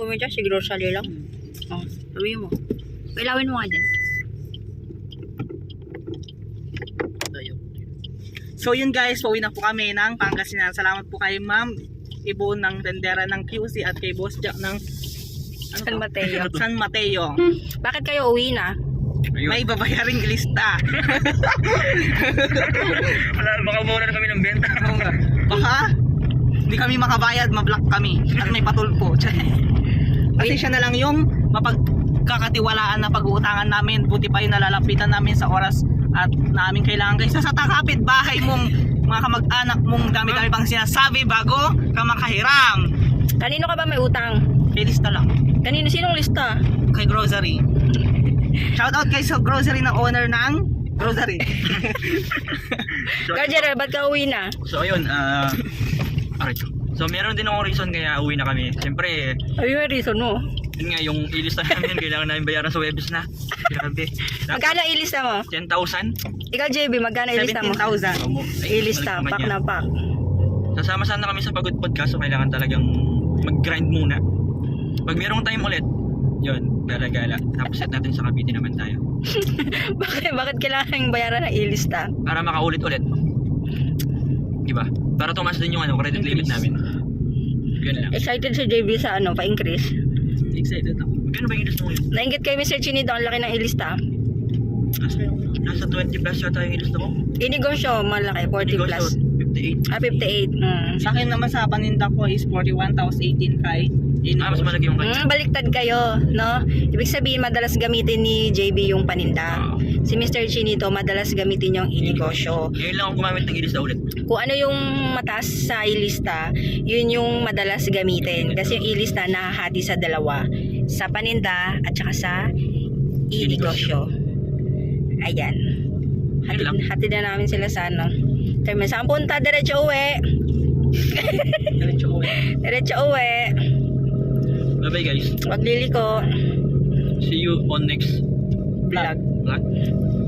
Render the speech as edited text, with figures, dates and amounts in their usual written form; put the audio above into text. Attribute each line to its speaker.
Speaker 1: mo dyan, si grocery lang. Oh, sabihin mo. Pailawin mo nga dyan.
Speaker 2: So yun guys, pauwi na po kami ng Pangasinan. Salamat po kay Ma'am Ibo ng tendera ng QC at kay Boss Jack ng
Speaker 1: San Mateo.
Speaker 2: San Mateo.
Speaker 1: Bakit kayo uwi na?
Speaker 2: May babayaring lista.
Speaker 3: Wala, baka muna na kami ng benta.
Speaker 2: Baka hindi kami makabayad, mablock kami at may patulpo. Kasi siya na lang yung mapagkakatiwalaan na pag-uutangan namin. Buti pa yung nalalapitan namin sa oras at namin kailangan guys. Sa takapit bahay mong mga kamag-anak mong dami-dami pang sinasabi bago ka makahiram.
Speaker 1: Kanino ka ba may utang?
Speaker 2: Kay lista lang.
Speaker 1: Kanino? Sinong lista?
Speaker 2: Kay grocery. Shout out kay sa grocery na owner ng grocery.
Speaker 1: Guardian, ba't ka uwi na?
Speaker 3: So ayun, alright. So meron din akong reason kaya uwi na kami. Siyempre,
Speaker 1: Ay, may reason mo.
Speaker 3: yun nga yung ilista namin, kailangan namin bayaran sa Webis na. Grabe.
Speaker 1: Magkano ilista mo?
Speaker 3: 10,000?
Speaker 1: Ikaw, JB, magkano ilista mo?
Speaker 2: 17,000.
Speaker 1: Ilista, pak na pak.
Speaker 3: Sasama sana kami sa Pagod Podcast, so kailangan talagang mag-grind muna. Pag merong time ulit, yun, gala-gala. Tapos set natin sa Cavite naman tayo.
Speaker 1: Bakit kailangan bayaran ng ilista?
Speaker 3: Para makaulit-ulit. Diba? Para tumaas din yung credit limit namin. Yun lang.
Speaker 1: Excited si JB sa pa-increase.
Speaker 2: Excited ako.
Speaker 3: Gano'n ba yung ilista mo yun?
Speaker 1: Nainggit kay Mr. Chinito, ang laki ng ilista.
Speaker 3: Nasa 20 plus yata yung ilista mo.
Speaker 1: Inegosyo, malaki, 40 plus.
Speaker 3: 58.
Speaker 1: 58.
Speaker 2: Sa akin naman sa paninda ko is 41, tapos 18 kay
Speaker 3: Mas malaki yung kanya.
Speaker 1: Baliktad kayo, no? Ibig sabihin, madalas gamitin ni JB yung paninda. Si Mr. Chinito, madalas gamitin yung inegosyo.
Speaker 3: Ngayon lang ako gumamit ng ilista ulit.
Speaker 1: Kung ano yung mataas sa ilista, yun yung madalas gamitin. Kasi yung ilista nahahati sa dalawa. Sa paninda at saka sa inegosyo. Ayan. Hatid na namin sila sa ano. Kaya saan punta? Diretso uwi. Diretso uwi.
Speaker 3: Bye bye guys.
Speaker 1: Wag liliko.
Speaker 3: See you on next
Speaker 1: Vlog.
Speaker 3: vlog.